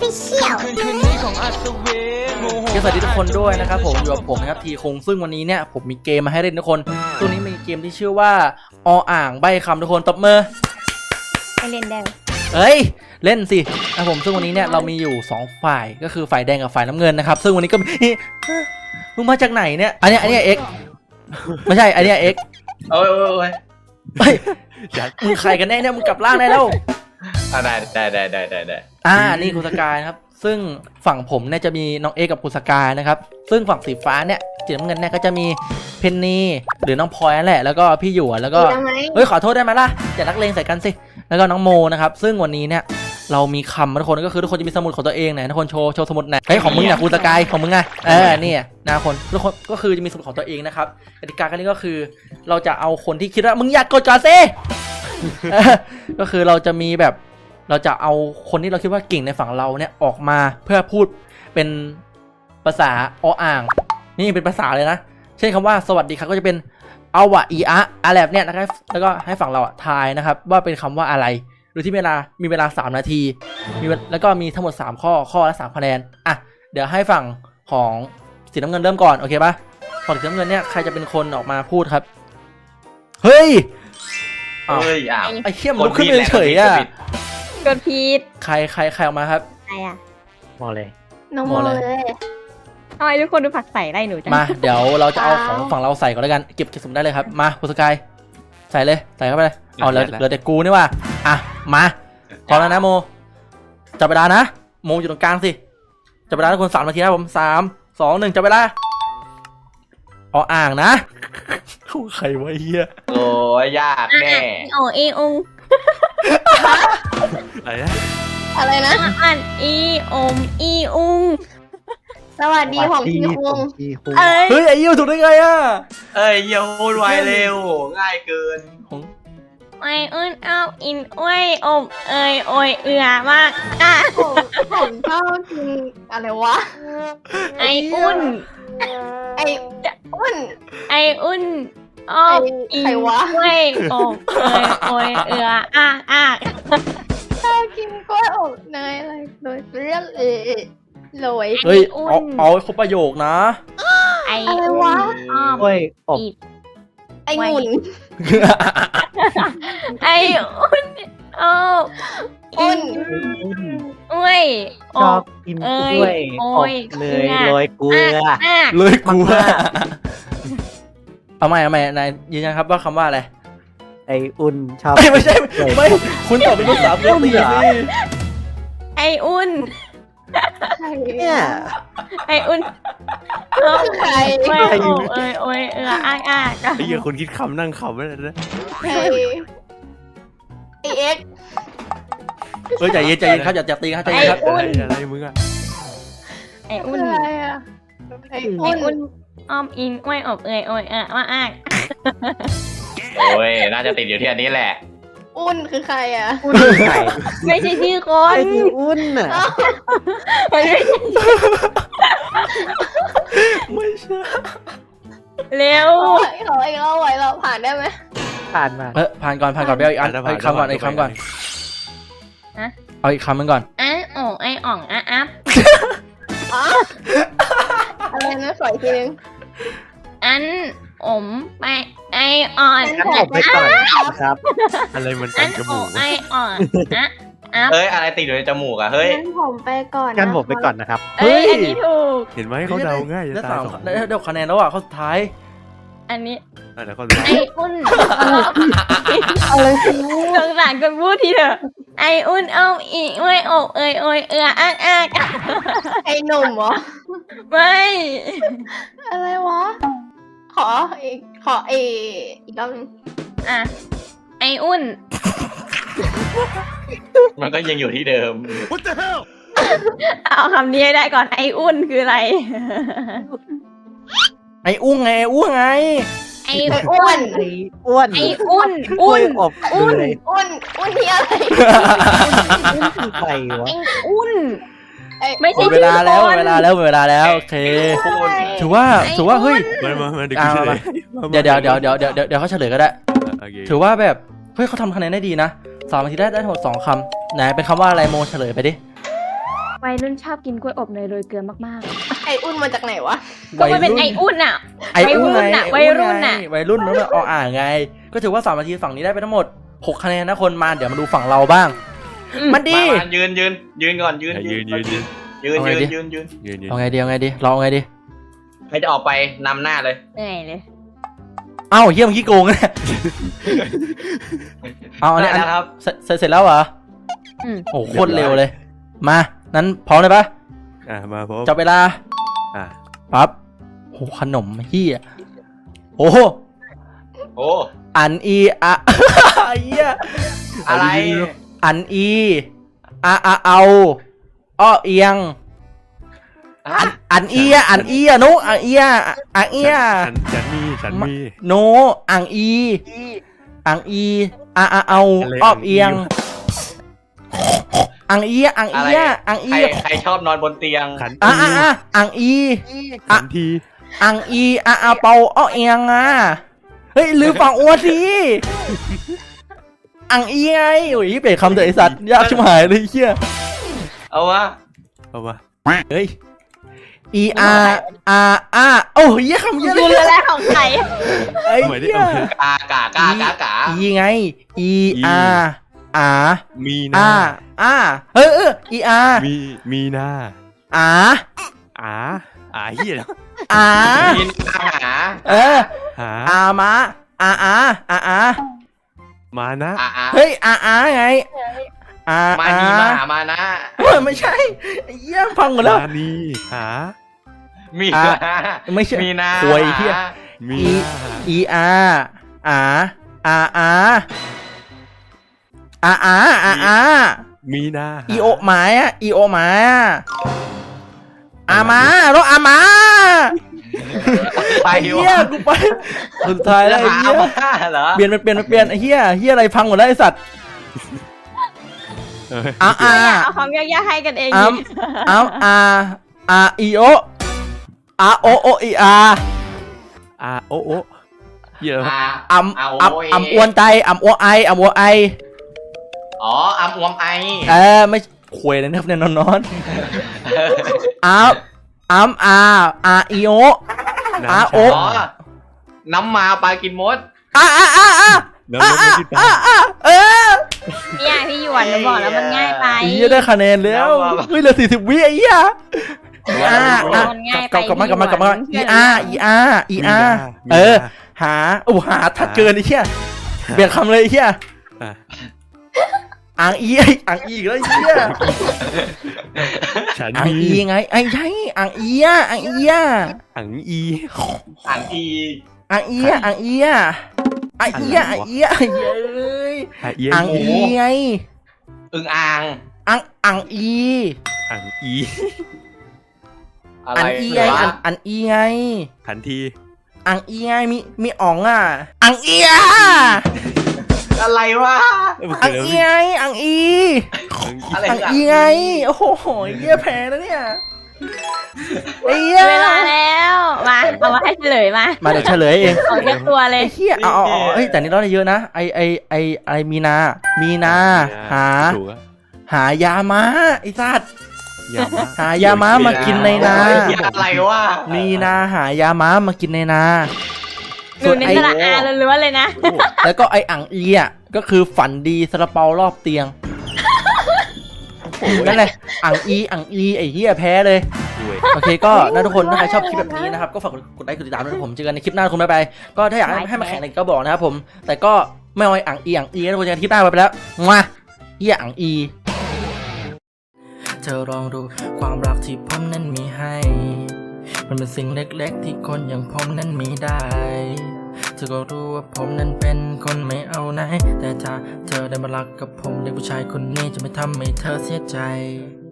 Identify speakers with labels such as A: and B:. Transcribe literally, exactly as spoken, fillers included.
A: Official
B: ก็สวัสดีทุกคนด้วยนะครับผมอยู่กับผมนะครับทีคงซึ่งวันนี้เนี่ยผมมีเกมมาให้เล่นทุกคนตัวนี้มีเกมที่ชื่อว่าออ่างใบคำทุกคนตบมือ
A: ไปเล่นได้
B: เอ้ยเล่นสินะผมซึ่งวันนี้เนี่ยเรามีอยู่สองฝ่ายก็คือฝ่ายแดงกับฝ่ายน้ำเงินนะครับซึ่งวันนี้ก็มีมึงมาจากไหนเนี่ยอันนี้อันนี้เอ็กไม่ใช่อันนี้เอ็ก
C: โอ้ยโอ้ย
B: เฮ้ยมึงใครกันแน่เนี่ยมึงกลับร่างได้แล้ว
C: อ่าได้ได้ได้ได้ได้ได้
B: อ่านี่คุณสกายครับซึ่งฝั่งผมเนี่ยจะมีน้องเอ็กกับคุณสกายนะครับซึ่งฝั่งสีฟ้าเนี่ยสีน้ำเงินเนี่ยก็จะมีเพนนีหรือน้องพลอยนั่นแหละแล้วก็พี่หยวนแล้วก็เฮ้ยขอโทษได้ไหมล่ะอย่านักเลงใส่กันสิแล้วก็น้องโมนะครับซึ่งวันนี้เนี่ยเรามีคำทุกคนก็คือทุกคนจะมีสมุดของตัวเองไหนทุกคนโชว์โชว์สมุดไหนเฮ้ยของมึงเนี่ยคุณสกายของมึงไงเออเนี่ยนาคนทุกคนก็คือจะมีสมุดของตัวเองนะครับกติกากันนี้ก็คือเราจะเอาคนที่คิดว่ามึงอยากกดจอซิก็คือเราจะมีแบบเราจะเอาคนที่เราคิดว่าเก่งในฝั่งเราเนี่ยออกมาเพื่อพูดเป็นภาษาออ่างนี่เป็นภาษาเลยนะเช่นคำว่าสวัสดีครับก็จะเป็นเอาวะอีอะอะไรแบบเนี้ยนะครับแล้วก็ให้ฝั่งเราทายนะครับว่าเป็นคำว่าอะไรโดยที่เวลามีเวลาสามนาทีมีแล้วก็มีทั้งหมดสามข้อข้อละสามคะแนนอ่ะเดี๋ยวให้ฝั่งของสีน้ำเงินเริ่มก่อนโอเคปะฝั่งสีน้ำเงินเนี่ยใครจะเป็นคนออกมาพูดครับเฮ้ย
C: เฮ้ยอ้าว
B: ไอ้เข้มลุกขึ้นเฉยอ่ะ
A: กดผิด
B: ใครใครใครออกมาครับ
A: ใครอะ
D: มอเลย
A: น้องโมเลยทำไมทุกคนดูผักใส่ได้หนูจัง
B: มาเดี๋ยวเราจะเอาของฝั่งเราใส่ก่อนแล้วกันเก็บเก็บสมได้เลยครับมาคุณสกายใส่เลยใส่เข้าไปเลยเอาเหลือเหลือแต่กูนี่ว่าอ่ะมาพร้อมแล้วนะโมจับเวลานะโมอยู่ตรงกลางสิจับเวลาทุกคนสามนาทีนะผมสามสองหนึ่งจับเวลาเอาอ่างนะใครวะเฮีย
C: โอ้ยยากแน่
A: โอเออง
D: อะไรนะ
A: อะไรนะอ่านอีอมอีอุงสวัสดีของพี่คุง
B: เฮ้ยไอ้ยิ้วถูกได้ไงอ่ะ
C: เอ้ยเยี่ยวพูดไวเร็วง่ายเกิน
A: ไออุ่นเอาอินอ้วยอบเอยโอยเอือมากอ่ะผมชอบกินอะไรวะไออุ่นไออุ่นไออุ่นอบอินอ้วยอบเอยโอยเอืออ่ะอ่ะชอบกินกล้วยอบเนยอะไรโดยเรียกเอโรย
B: เฮ้ยเอาเอาครบประโยคนะ
A: ไออะไรวะ
D: กล้วยอบ
A: ไอหมุนไออุ่นอบอุ่นอ้วย
D: ชอบกินกล้วยอบเลยโรยเกลือ
B: เลยเกลือเอาใหม่เอาใหม่นายยืนยันครับว่าคำว่าอะไร
D: ไออุ่นชอบ
B: ไม่ใช่ไม่คุณตอบเป็นภาษาเกาหลีสิ
A: ไออุ่น
D: เนี่ย
A: ไออุ่นใครโอ้ยโอ้ยโอ้ยเอออ้าอ้า
D: ไอ้เหี้ยคนคิดคำนั่งคำไม่ได้นะ
A: ไอเอ็ก
B: เฮ้ยใจเย็นใจเย็นครับอย่าจับตีครับใจเย็นครับ
D: อะไรมึงอะ
A: ไออุ่นอะไรอะไออุ่นอ้อมอินอ้วยอบเอยโอ้ยเออว่าอ้า
C: โอ้ยน่าจะติดอยู่ที่อันนี้แหละ
A: อุ่นคือใครอ่ะไม่ใช่ชื่อคน
D: อุ่นอ่ะ
A: ไม่ใช่
B: ไม่ใช่
A: เร็วเขาไอ้เราไหวเราผ่านได้ไหม
D: ผ่านมา
B: เออผ่านก่อนผ่านก่อนไปเอาอีกอันอีกคำก่อนอีกคำก่อนเอาอีกคำนึงก่อน
A: อ่ะโอ้ไออ่องอ่ะอัพอะไรนะสอยทีนึงอันอมไปไออ่อน
D: กันผมไปก่อนครับอะไรมันกันจมูก
A: ไออ่อนอะ
C: เฮ้ยอะไรติดอยู่ในจมูกอะเฮ้ย
A: กันผมไปก่อน
D: กันผมไปก่อนนะครับ
A: เฮ้ยอันนี้ถูก
D: เห็นไหมเขาเดาง่าย
B: ได้สามได้เดี๋ยวคะแนนแล้วอ่ะข้อสุดท้าย
A: อันนี้
D: ไ
A: ออุ่นอะไรสงสารคนพูดทีเถอะไออุ่นเอาอีอ้วยอบเอยโอยเอืออ้างอ้างไอหนุ่มเหรอไม่อะไรวะขออีกขออีอีกรอบนึงอ่ะไออุ่น
C: มันก็ยังอยู่ที่เดิม
D: What the hell
A: เอาคำนี้ได้ก่อนไออุ่นคืออะไร
B: ไออุ้งไงไออุ้งไง
A: ไออ้วน
D: ไออ้วน
A: ไออุ่นอุ่น
D: อบ
A: อุ่นอุ่นอุ่นที่อะไร
D: ใครวะ
A: ไออุ่นไม่ใช่
B: เวลาแล้วเวลาแล้วเวลาแล้วโอเคถือว่าถือว่าเฮ้ยเดี๋ยวเดี๋ยวเดี๋ยวเดี๋ยวเดี๋ยวเดี๋ยวเขาเฉลยก็ได้ถือว่าแบบเฮ้ยเขาทำคะแนนได้ดีนะสามนาทีได้ได้ทั้งหมดสองคำไหนเป็นคำว่าอะไรโมเฉลยไปดิ
E: วัยรุ่นชอบกินกล้วยอบเนยโรยเกลือมาก
A: ไออุ่นมาจากไหนวะ
E: ๆก็มันเป็นไออุ่นอ่ะ
B: ไออุ่นไง
E: วัยรุ่นน่ะ
B: ไอ้วัยรุ่นนั่นน่ะเอาอ่างไง ก็ถือว่าสามนาทีฝั่งนี้ได้ไปทั้งหมดหกคะแนนนะคนมาเดี๋ยวมาดูฝั่งเราบ้าง มันดี
C: มามายืนยืนยืนก่อนยืน
F: ยืนยืนยืน
C: ยืน
B: เอาไง
C: ยืน
B: ดิ
C: ยืนยืน
F: ยืนยืน
B: เอาไงดีเอาไงดีเราเอาไงดี
C: ใครจะออกไปนำหน้าเลย
E: เหนื่อยเลย
B: เอ้าเฮียเมื่อกี้โกงเนี่ยเอาอันนี้อัน
C: ได้แล้วครับ
B: เสร็จเสร็จเสร็จแล้วเหรอ
E: อืม
B: โอ้โหโคตรเร็วเลย มานั้นพร้อมเลยปะ
F: อ่ะมาพบ
B: จับเวลา
F: อ่ะ
B: ปั๊บโอ้โหขนมเฮียโอ้โห
C: โอ้
B: อันอีอะเฮีย
C: อะไร
B: อันอีอะอะเอาอ้อเอียง
C: ฮะ
B: อันเอียอันเอียนุอันเอียอันเอีย
F: ฉันฉันมีฉันมี
B: โนอังอีอังอีอะอะเอา
F: อะไร
B: อ้อเอียง
F: อังอี
B: อังเอียอัง
C: อะไร
B: เอียอัง
C: ใค
B: อี
C: รใครชอบนอนบนเตียง
F: ขัน
B: อ่ะ
F: ที
B: อ่ะอ่ะอังอี
F: ขันที
B: อังอีอะอะเปาอ้อเอียงอ่ะเฮ้ยลืมฝั่งอ้วนสิอังอีไงโอ้ยเปลี่ยนคำเถอะไอสัตว์ยากชิบหายเลยเฮีย
C: เอาวะ
F: เอาวะ
B: เฮ้ย E R R R โอ้ยเหี้ยคำเยอะเล
E: ดู
B: ย
E: แลของใคร
B: ไอ้
F: ทำไมได้
B: เหี้ย
F: เอา
C: กากากากากา
B: E ไง E R R
F: มีนา
B: R R เออเออ E R
F: มีมีนา
B: R
F: อาอาเฮีย
B: R
C: มีอาหา
B: เออ
F: หา
B: R มา R R R R
F: มานะ
C: อาอา
B: เฮ้ย R R ไง R
C: มา
B: R
C: นีมาหามานะ
B: เฮ้ยไม่ใช่ไอ้เหี้ยพังหมดแล้ว
F: มานีหา
C: มี
B: อ่ะ
C: นา
B: ไม่ใช่
C: มีนา
B: ควยเหี้ย
F: มี
B: E
F: นา
B: E R R R R R R R R
F: มีนา
B: อีโอหมายอะอีโอหมายอะอามาโรอามา
C: ไป
B: ไอ้เหี้ยกูไปสุดท้ายแล้วไอ้
C: หา
B: เหี้ย
C: มาเหรอ
B: เปลี่ยนมันเปลี่ยนมันเปลี่ยนไอ้เหี้ยเหี้ยอะไรพังหมดแล้วไอ้สัตว์
F: เอ้ย
B: อาอา
E: เอาของยากๆให้กันเอง
B: อัมอัมอาอาอีโออาโอโออีอา
F: อาโอโอเฮีย
C: อา
B: อัม
C: อา
B: อัม
C: โอเอ
B: อัมอวนใจอัมอวไออัมอวไอ
C: อ๋ออัมอวมไอ
B: เออไม่ควยเลยนะครับเนี่ยนอนนอนอัมอัมอาอาอีโอ อาโอ
C: อ๋อน้ำมาปลากินมด
B: อาอาอาอา
F: น้ำมันที่ตา
B: เออ
E: เนี่ยพี่หยวนหนูบอกแล้วมันง่ายไป
B: ไอ้เหี้ยได้คะแนนแล้วเฮ้ยเหลือสี่สิบวิไอ้เหี้ยอีอาร์
E: มันง่ายไป
B: กลับกลับมากลับมากลับมา
E: พี่
B: อี
E: หยวน
B: อาร์อีอาร์อีอาร์เออ หาโอ้หาทัดเกินไอ้เหี้ยเปลี่ยนคำเลยไอ้เหี้ย
F: อ่ะ
B: อ่างอีไอ้อ่างอีอีกแล้วไอ้เหี้ย
F: ฉัน
B: อ่าง
F: มี
B: อีไงไอ้ใช่อ่างอีอ่ะอ่างอีอ่ะ
F: อังอี
C: อ่างอี
B: อ่างอีอ่ะอ่างอีอ่ะอ่างอีอ่ะอ่างอีอ่ะเย้ย
F: หาเอีย
B: อ่างอีไง
C: อึงอ่าง
B: อ่างอ่างอี
F: อังอี
C: อะไร
B: อันอีไง
C: วะ
B: อันอันอีไง
F: ขันที
B: อังอีไงมีมีอ๋องอ่ะอังอีอ่ะ
C: อะไรวะ
F: เอ้ยมัน
B: อั
F: คื
B: ง
F: อ
B: อีไงอังอี
F: อะไร
C: อะไร
B: อังอีไงโอ้โหเยี่ยแพ้แล้วเนี่ยไอ้เหี้ย
E: เวลาแล้วมาเอามาให้เฉลยมา
B: มาเดี๋ยวเฉลยเอง
E: ของเรียกตัวเลย
B: ไอ้เหี้ยเอาเอาเอาเฮ้ยแต่นี่เราได้เยอะนะไอไอไอไอมีนา มีนา หา
F: ถูกอะ
B: หายาม้าไอ้สัตว์
F: ยามา
B: หายาม้ามากินในนา
C: อะไรวะ
B: มีนาหายาม้ามากินในนา
E: ดูในสระอาล้วนๆเลยนะ
F: โอ้โห
B: แล้วก็ไออังอีอ่ะก็คือฝันดีซาลาเปารอบเตียงนั่นแหละอังอีอังอีไอเหี้ยแพ้เลย
F: ด้วย
B: โอเคก็นะทุกคนถ้าใครชอบคลิปแบบนี้นะครับก็ฝากกดไลค์กดติดตามด้วยนะผมเจอกันในคลิปหน้าคุณบ๊ายบายก็ถ้าอยากให้ให้มาแข่งอะไรก็บอกนะครับผมแต่ก็ไม่เอาไอ้อังอีอังอีนะทุกคนเจอกันคลิปหน้าไปแล้วมาเหี้ยอังอีเธอลองดูความรักที่ผมนั้นมีให้มันเป็นสิ่งเล็กๆที่คนอย่างผมนั้นมีได้เธอก็รู้ว่าผมนั้นเป็นคนไม่เอาไหนแต่ถ้าเธอได้มารักกับผมเด็กผู้ชายคนนี้จะไม่ทำให้เธอเสียใจ